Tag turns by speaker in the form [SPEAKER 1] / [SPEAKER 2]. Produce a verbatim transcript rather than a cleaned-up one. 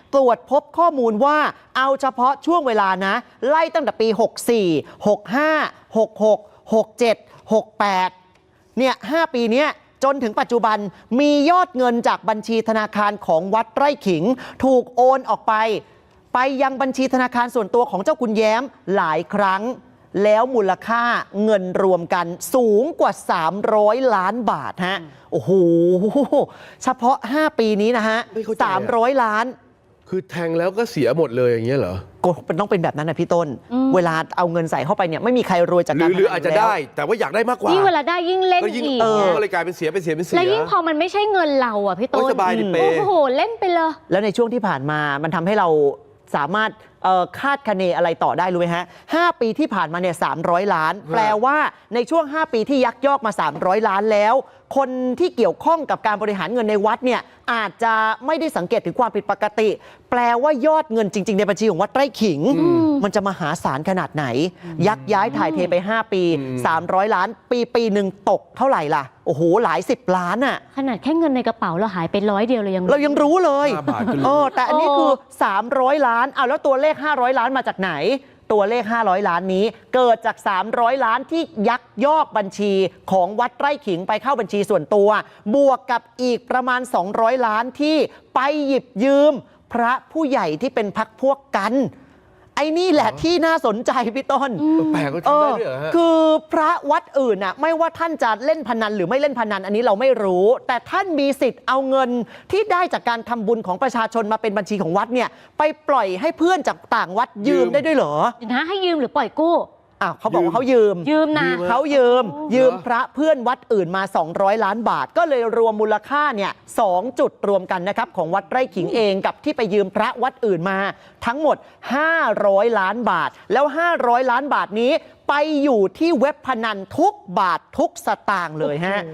[SPEAKER 1] ตรวจพบข้อมูลว่าเอาเฉพาะช่วงเวลานะไล่ตั้งแต่ปีหกสี่ หกห้า หกหก หกเจ็ด หกแปดเนี่ยห้าปีเนี้ยจนถึงปัจจุบันมียอดเงินจากบัญชีธนาคารของวัดไร่ขิงถูกโอนออกไปไปยังบัญชีธนาคารส่วนตัวของเจ้าคุณแย้มหลายครั้งแล้วมูลค่าเงินรวมกันสูงกว่าสามร้อยล้านบาทฮะโอ้โหเฉพาะห้าปีนี้นะฮะสามร้อยล้าน
[SPEAKER 2] คือแทงแล้วก็เสียหมดเลยอย่างเงี้ยเหรอ
[SPEAKER 1] ก็เป็นต้องเป็นแบบนั้นนะพี่ต้นเวลาเอาเงินใส่เข้าไปเนี่ยไม่มีใครรวยจากการ
[SPEAKER 2] หรืออาจจะได้แต่ว่าอยากได้มากกว่า
[SPEAKER 3] ยิ่งเวลาได้ยิ่งเล่นอีก
[SPEAKER 2] ก็เลยกลายเป็นเสียเป็นเสียเป็นเสีย
[SPEAKER 3] แล้วยิ่งพอมันไม่ใช่เงินเราอ่ะพี่ต้น
[SPEAKER 2] สบายดิเป้
[SPEAKER 3] โอ้โหเล่นไปเลย
[SPEAKER 1] แล้วในช่วงที่ผ่านมามันทำให้เราสามารถคาดคะเนอะไรต่อได้รู้ไหมฮะห้าปีที่ผ่านมาเนี่ยสามร้อยล้านแปลว่าในช่วงห้าปีที่ยักยอกมาสามร้อยล้านแล้วคนที่เกี่ยวข้องกับการบริหารเงินในวัดเนี่ยอาจจะไม่ได้สังเกตถึงความผิดปกติแปลว่ายอดเงินจริงๆในบัญชีของวัดไร่ขิงมันจะมหาศาลขนาดไหนยักย้ายถ่ายเทไปห้าปีสามร้อยล้านปีปีหนึ่งตกเท่าไหร่ล่ะโอ้โหหลายสิบล้านอ่ะ
[SPEAKER 3] ขนาดแค่เงินในกระเป๋าเราหายไปร้อยเดียวเรายัง
[SPEAKER 1] เรายังรู้เลยเออแต่อันนี้คือสามร้อยล้านเอาแล้วตัวเลขห้าร้อยล้านมาจากไหนตัวเลขห้าร้อยล้านนี้เกิดจากสามร้อยล้านที่ยักยอกบัญชีของวัดไร่ขิงไปเข้าบัญชีส่วนตัวบวกกับอีกประมาณสองร้อยล้านที่ไปหยิบยืมพระผู้ใหญ่ที่เป็นพรรคพวกกันไอ้นี่แหละที่น่าสนใจพี่ต้น
[SPEAKER 2] แปลกก็ทำได้ด้วยเหรอฮะ
[SPEAKER 1] คือพระวัดอื่นน่ะไม่ว่าท่านจะเล่นพนันหรือไม่เล่นพนันอันนี้เราไม่รู้แต่ท่านมีสิทธิ์เอาเงินที่ได้จากการทำบุญของประชาชนมาเป็นบัญชีของวัดเนี่ยไปปล่อยให้เพื่อนจากต่างวัดยืมได้ด้วยเหรอ
[SPEAKER 3] นะให้ยืมหรือปล่อยกู้
[SPEAKER 1] อ้าวเขาบอกว่าเขายืม
[SPEAKER 3] ยืมนะ
[SPEAKER 1] เขายืมยืมพระเพื่อนวัดอื่นมาสองร้อยล้านบาทก็เลยรวมมูลค่าเนี่ยสองจุดรวมกันนะครับของวัดไร่ขิงเองกับที่ไปยืมพระวัดอื่นมาทั้งหมดห้าร้อยล้านบาทแล้วห้าร้อยล้านบาทนี้ไปอยู่ที่เว็บพนันทุกบาททุกสตางค์เลยฮะ